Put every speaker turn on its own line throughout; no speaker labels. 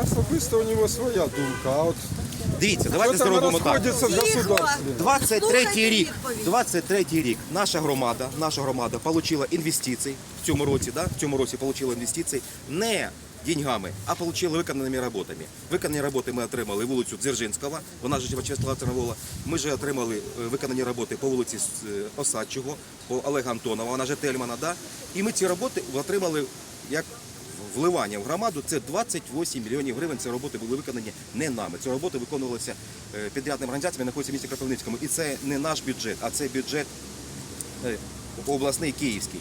особисто у нього своя думка, а от
Дивіться, давайте
це не
зробимо так.
розходиться з государством.
23-й рік наша громада отримала інвестиції в цьому році, отримала інвестиції не деньгами, а отримали виконаними роботами. Виконані роботи ми отримали вулицю Дзержинського, вона ж Вячеслава Терновола. Ми ж отримали виконані роботи по вулиці Осадчого, по Олега Антонова, вона ж Тельмана, да? І ми ці роботи отримали як вливання в громаду. Це 28 мільйонів гривень. Ці роботи були виконані не нами. Ці роботи виконувалися підрядними організаціями, знаходяться в місті Кропивницькому. І це не наш бюджет, а це бюджет обласний київський.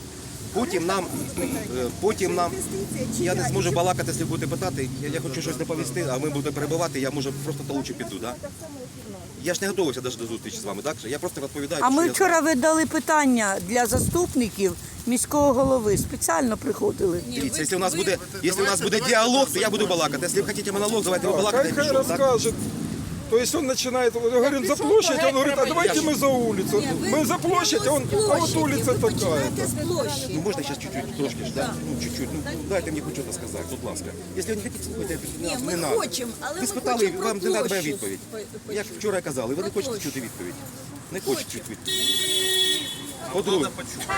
Потім нам, я не зможу балакати, якщо будете питати, я хочу щось доповісти, а ми будемо перебивати, я може просто толучу піду, да? Я ж не готувався навіть до зустрічі з вами, так? Я просто розповідаю.
А ми вчора видали питання для заступників міського голови, спеціально приходили.
Дивіться, якщо у нас буде діалог, то я буду балакати. Якщо ви хочете монолог, давайте ви балакати.
Хай розкаже. То есть он начинает, говорим, за площадь, он говорит, а давайте мы за улицу. Мы за площадь, а вот улица такая.
Ну можна зараз чуть-чуть, трошки ж, да? Ну чуть-чуть, ну дайте мені хоч щось сказати, будь ласка. Якщо ви не хочете слухати, не надо. Ви спитали, вам не треба відповідь. Як вчора казали, ви не хочете чути відповідь. Не хочете чути відповідь. По-друге,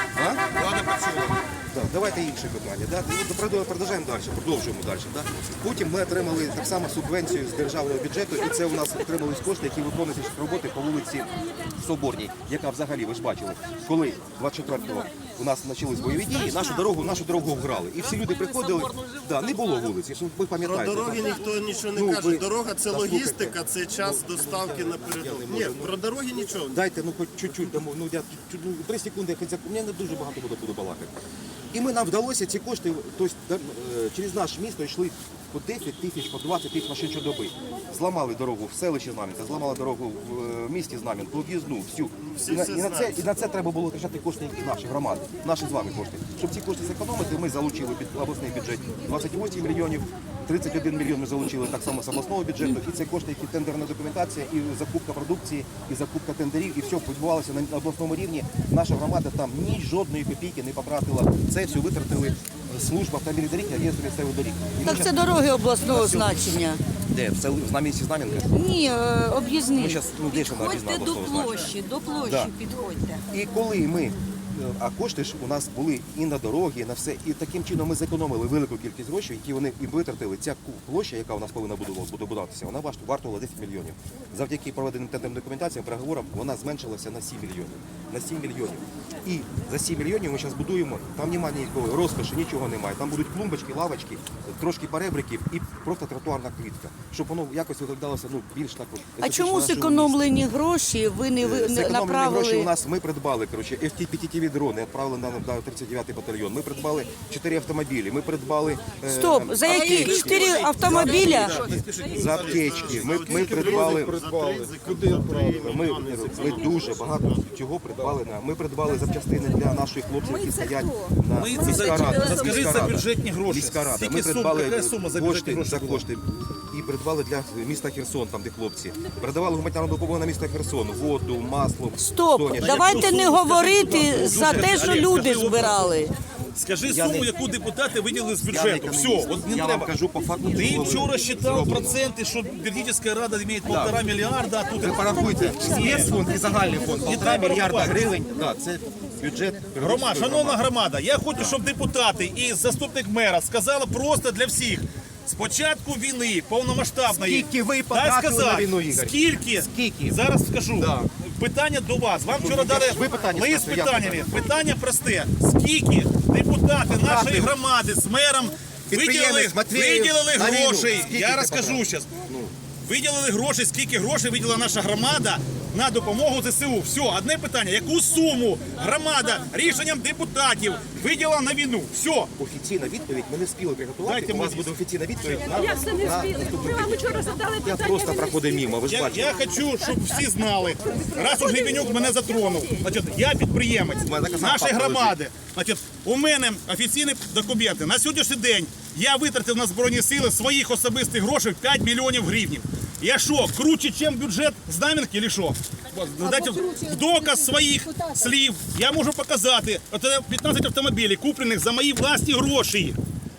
давайте інші питання. Да? Продовжуємо далі. Да? Потім ми отримали так само субвенцію з державного бюджету, і це у нас отримались кошти, які виконують роботи по вулиці Соборній, яка взагалі, ви ж бачили, коли 24-го у нас почались бойові дії, нашу дорогу вграли. І всі люди приходили, не було вулиці, ви пам'ятаєте.
Про дороги ніхто нічого не каже. Дорога – це логістика, це час доставки напередок. Ні, про дороги нічого.
Дайте, хоч чуть-чуть, 3 секунди, у мене не дуже багато буду балакати. І нам вдалося ці кошти, тобто через наше місто йшли по 10 тисяч, по 20 тисяч машин щодоби. Зламали дорогу в селищі Знам'янка, зламали дорогу в місті Знам'янка, по в'їзну, всю. І на це треба було витрачати кошти наших громад, наші з вами кошти. Щоб ці кошти зекономити, ми залучили під обласний бюджет 28 мільйонів, 31 мільйон ми залучили так само з обласного бюджету. І це кошти, які тендерна документація, і закупка продукції, і закупка тендерів, і все відбувалося на обласному рівні. Наша громада там ні жодної копійки не потратила. Це все витратили служба автомобільних доріг, агентство місцевих доріг.
Так це дороги обласного значення.
Де? В місті Знам'янка?
Ні, об'їзні.
Підходьте до площі підходьте.
І коли ми, а кошти ж у нас були і на дороги, і на все, і таким чином ми зекономили велику кількість грошей, які вони і витратили. Ця площа, яка у нас повинна буде будуватися, вона вартувала 10 мільйонів. Завдяки проведеним тендерним документаціям, переговорам, вона зменшилася на 7 мільйонів. На 7 мільйонів. І за 7 мільйонів ми зараз будуємо, там немає ніякої розкоші, нічого немає. Там будуть клумбочки, лавочки, трошки перебриків і просто тротуарна квітка, щоб воно якось виглядалося більш так.
А чому зекономлені гроші ви не направили?
Гроші у нас, ми придбали, FPV дрони, відправили на 39-й батальйон. Ми придбали 4 автомобілі, ми придбали...
Стоп, за які 4 автомобіля?
За аптечки. Ми придбали...
Куди відправили?
Ми дуже багато чого придбали. Ми придбали запчастини для наших хлопців, які стоять на міська рада.
Скажіть за бюджетні гроші.
Міська рада. Ми придбали кошти і придбали для міста Херсон, там де хлопці. Передавали гуманітарну допомогу на місто Херсон, воду, масло.
Стоп, давайте не говорити за те, що люди збирали.
Скажи суму, яку депутати виділили з бюджету. Все, от не
я
треба.
вам кажу по факту.
Ти вчора считав проценти, що Бердичівська рада має 1,5 мільярда, а тут...
Ви порахуйте, спецфонд і загальний фонд, 1,5 мільярда гривень. Це бюджет.
Шановна громада, я хочу, щоб депутати і заступник мера сказали просто для всих. З початку війни, повномасштабної,
Скільки ви потратили на війну, Ігор?
Скільки? Зараз скажу.
Да.
Питання до вас. Вам вчора дали лист з
ставте,
питаннями. Питання просте. Скільки депутати нашої громади з мером виділили грошей? Я розкажу зараз. Виділили гроші, скільки грошей виділила наша громада на допомогу ЗСУ. Все, одне питання. Яку суму громада рішенням депутатів виділила на війну? Все.
Офіційна відповідь ми не спіли приготувати.
Дайте
У нас
мені.
буде офіційна відповідь.
Як це не спіли? Ми вам вчора задали
Я
питання.
просто проходив мимо, ви ж бачите.
Я хочу, щоб всі знали, раз уж Гребенюк мене затронув. Значить, я підприємець нашої громади. Значить, у мене офіційні документи. На сьогоднішній день я витратив на Збройні Сили своїх особистих грошей 5 мільйонів гривень. Я що, круче, ніж бюджет Знам'янки, чи що? Дайте в доказ своїх слів я можу показати. От 15 автомобілів, куплених за мої власні гроші.